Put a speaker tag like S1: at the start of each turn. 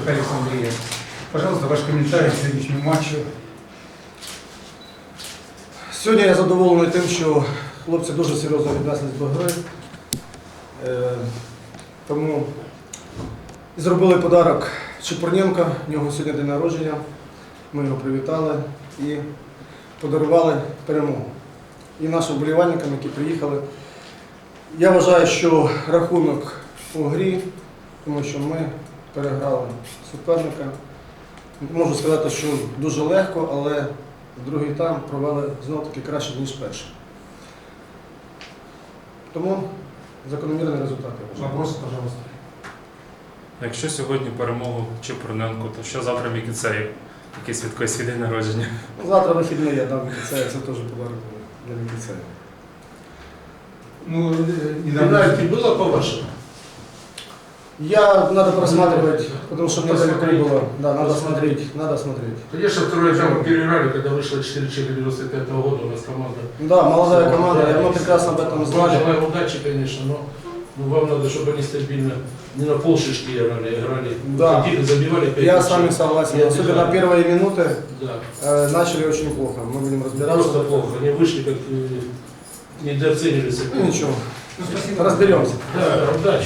S1: Александрия. Пожалуйста, ваш комментарий к сегодняшнему матчу.
S2: Сьогодні я задоволений тим, що хлопці дуже серйозно віднеслись до гри. Тому зробили подарок Чепурненко, в нього сьогодні день народження. Ми його привітали і подарували перемогу. І нашим вболівальникам, які приїхали. Я вважаю, що рахунок у грі, тому що ми переграли суперника. Можу сказати, що дуже легко, але другий тайм провели знов-таки краще, ніж перший. Тому закономірний результат.
S1: Вопрос, пожалуйста.
S3: Якщо сьогодні перемогу Чепурненко, то що завтра Мікіцею? Який святкує свій день народження?
S2: Завтра вихідний я дам Мікіцею, це теж подарунок для Мікіцея.
S1: Ну,
S4: Пенальти было по-вашему?
S2: Надо просматривать, потому что недалеко было. Да, надо смотреть, надо смотреть.
S4: Конечно, второй тайм мы переиграли, когда вышло 4-4 95-го года, у нас команда.
S2: Да, молодая команда, и мы прекрасно об этом знали.
S4: Желаем удачи, конечно, но вам надо, чтобы они стабильно не на полшишки играли.
S2: Да.
S4: Ходили, забивали 5
S2: Я
S4: мячей.
S2: с вами согласен.
S4: И
S2: Особенно
S4: отдыхали.
S2: первые минуты
S4: Да.
S2: начали очень плохо. Мы будем разбираться.
S4: Просто плохо. Они вышли, как недооценили
S2: Ну,
S4: соперника.
S2: ничего,
S1: Ну, спасибо.
S2: разберемся.
S4: Да, удачи.